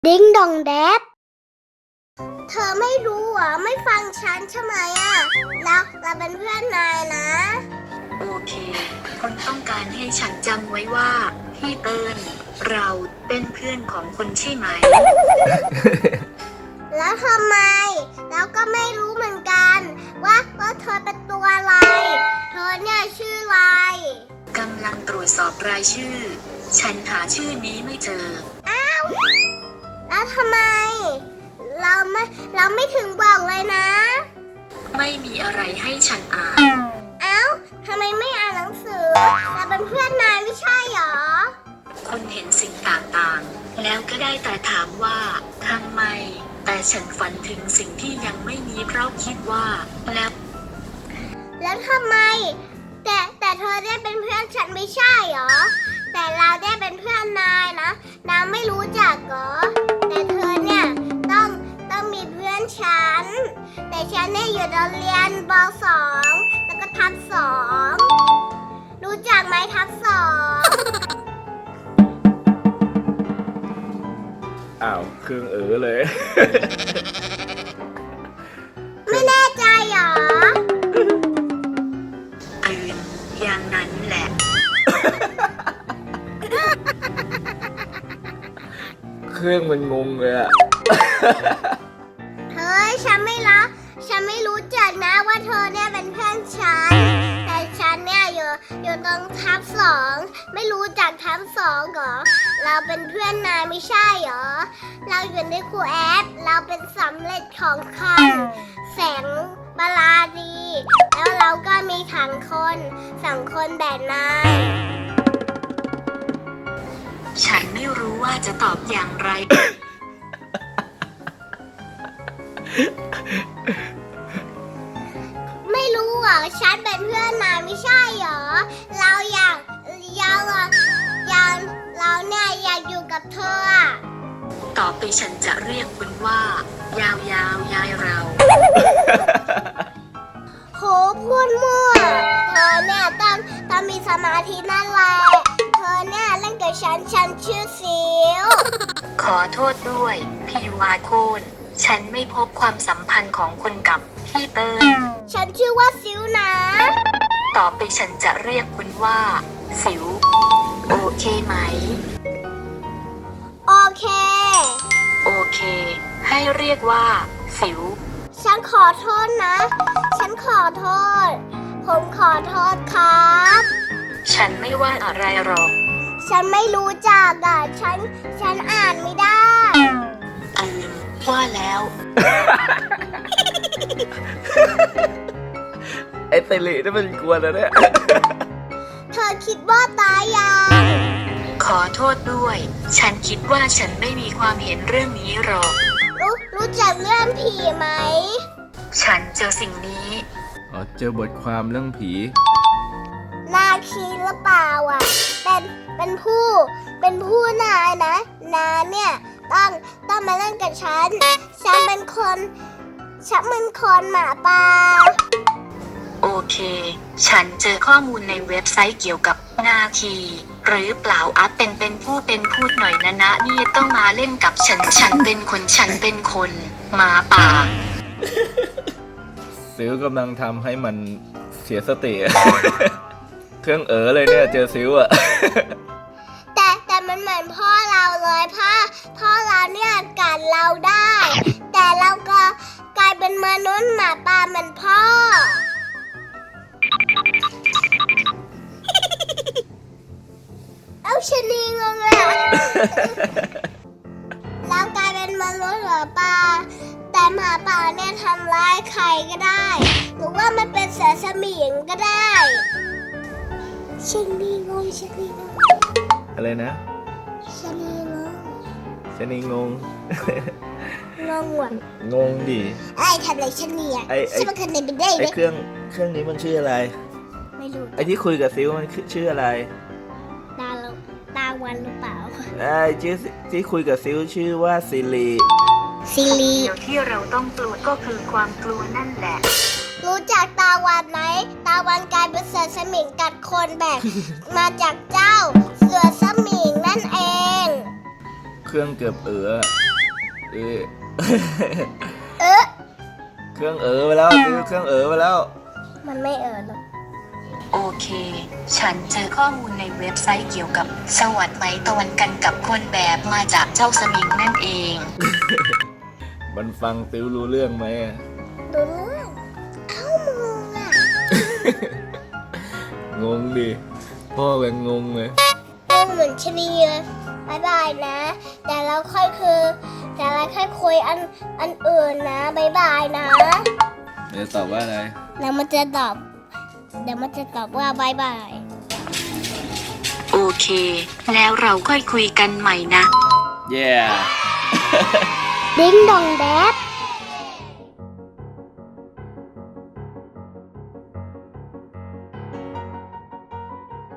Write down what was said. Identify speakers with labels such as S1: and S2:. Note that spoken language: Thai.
S1: ดิ้งดองแดดเธอไม่รู้เหรอไม่ฟังฉันใช่ไหมอ่ะเราเป็นเพื่อนนายนะ
S2: โอเคคุณต้องการให้ฉันจำไว้ว่าพี่เติ้ลเราเป็นเพื่อนของคุณใช่ไหม
S1: แล้วทำไมเราก็ไม่รู้เหมือนกัน ว่าเธอเป็นตัวอะไร เธอเนี่ยชื่ออะไร
S2: กำลังตรวจสอบรายชื่อ ฉันหาชื่อนี้ไม่เจอ
S1: แล้วทำไม เราไม่ถึงบอกเลยนะ
S2: ไม่มีอะไรให้ฉันอ่าน
S1: เอ้าทำไมไม่อ่านหนังสือเราเป็นเพื่อนนายไม่ใช่หรอ
S2: คุณเห็นสิ่งต่างๆ แล้วก็ได้แต่ถามว่าทำไม แต่ฉันฝันถึงสิ่งที่ยังไม่มีเพราะคิดว่า
S1: แล้วทำไม แต่เธอได้เป็นเพื่อนฉันไม่ใช่หรอ แต่เราได้เป็นเพื่อนนายนะนายไม่รู้จักเหรอ แต่เธอเนี่ยต้องมีเพื่อนฉัน แต่ฉันเนี่ยอยู่โรงเรียนป .2 แล้วก็ทับ2รู้จักไหมทับ2
S3: อ้าวเครื่องเลย
S1: ไม่แน่ใจหรอ
S2: อย่างนั้นแหละ
S3: เครื่องมันงงเลยอะ
S1: เฮ้ยฉันไม่รู้จักนะว่าเธอเนี่ยเป็นเพื่อนฉัน แต่ฉันเนี่ยอยู่ตรงทับ2ไม่รู้จักทับ2เหรอ เราเป็นเพื่อนนายไม่ใช่เหรอ เราอยู่ในครูแอปเราเป็นสำเร็จของคำแสงบาลาดี แล้วเราก็มีถังคน2 คนแบบนาย
S2: ฉันไม่รู้ว่าจะตอบอย่างไร
S1: ไม่รู้เหรอฉันเป็นเพื่อนนายไม่ใช่เหรอ เราเนี่ยอยากอยู่กับเธออะ
S2: ต่อไปฉันจะเรียกคุณว่า ยาวยายเรา
S1: โหพูดมั่วเธอเนี่ยต้องมีสมาธินั่นแหละเธอเนี่ยเล่นกับฉันชื่อสิว
S2: ขอโทษด้วยพี่วาโคนฉันไม่พบความสัมพันธ์ของคุณกับพี่เติ้ล
S1: ฉันชื่อว่าสิวนะ
S2: ต่อไปฉันจะเรียกคุณว่า สิว โอเคไหม
S1: โอเค
S2: โอเค ให้เรียกว่า สิว
S1: ฉันขอโทษนะ ฉันขอโทษ ผมขอโทษครับ
S2: ฉันไม่ว่าอะไรหรอก
S1: ฉันไม่รู้จักอ่ะฉันอ่านไม่ได้
S2: ว่าแล้ว
S3: ไอ้เตลินี่มันกวนแล้วเนี่ย
S1: เธอคิดว่าตายยัง
S2: ขอโทษด้วย ฉันคิดว่าฉันไม่มีความเห็นเรื่องนี้หรอก
S1: รู้จักเรื่องผีไหม
S2: ฉันเจอสิ่งนี้
S3: อ๋อเจอบทความเรื่องผี
S1: นาคีหรือเปล่าอ่ะ เป็นผู้นายนะนาเนี่ยต้องมาเล่นกับฉันเป็นคนหมาป่า
S2: โอเค ฉันเจอข้อมูลในเว็บไซต์เกี่ยวกับนาคีหรือเปล่าเป็นพูดหน่อยนะนี่ต้องมาเล่นกับฉันเป็นคนหมาป่า
S3: ซิวกำลังทำให้มันเสียสติ เครื่องเลยเนี่ยเจอซิวอะ
S1: แต่มันเหมือนพ่อเราเลยพ่อเราเนี่ยกัดเราได้ แต่เราก็กลายเป็นมนุษย์หมาป่าเหมือนพ่อ เอาชะนีงงเลยอะเรากลายเป็นมนุษย์หมาป่าแต่หมาป่าเนี่ยทำร้ายใครก็ได้ หรือว่ามันเป็นเสือสมิงก็ได้ชะนีงง
S3: อะไรนะ
S1: ชะนีงง
S3: ชนีงง
S1: งงว่ะ
S3: งงดิ
S1: ไอ้ทำอะไรชะนีอ่ะ
S3: ไอ้
S1: ฉันมันคนเดียวไปได้
S3: ไอ้
S1: ไหม
S3: เครื่องนี้มันชื่ออะไร
S1: ไม่รู้
S3: ไอ้ที่คุยกับซิวมันชื่ออะไร
S1: ตาวันหรือเปล่า
S3: ไอ้ที่คุยกับซิวชื่อว่าซิลี
S1: ซิลี
S2: เดี๋ยวที่เราต้องกลัวก็คือความกลัวนั่นแหละ
S1: รู้จักตาวันไหมตาวันกลายเป็นเสือสมิงกัดคนแบบ มาจากเจ้าเสือสมิงนั่นเอง
S3: เครื่องเกือบเออ
S1: เอ๊ะ
S3: เครื่องไปแล้วซื้อเครื่องไปแล้ว
S1: มันไม่หรอก
S2: โอเค ฉันเจอข้อมูลในเว็บไซต์เกี่ยวกับสวัสดิ์ไหมตะวันกันกับคนแบบมาจากเจ้าสมิงนั่นเอง
S3: มันฟังติวรู้เรื่องไหมอะ
S1: ดูเรื่องเอ้ามึงอ่ะ
S3: งงดิพ่อเป็นงงเลย
S1: เรื่องเหมือนชะนีเลยบายบายนะ แต่เราค่อยคุยอันอื่นนะบายบายนะ
S3: เดี๋ยวตอบว่าอะไร
S1: แล้วมันจะตอบว่าบายบาย
S2: โอเค แล้วเราค่อยคุยกันใหม่นะ
S3: yeah
S1: ดิ้งดองแดด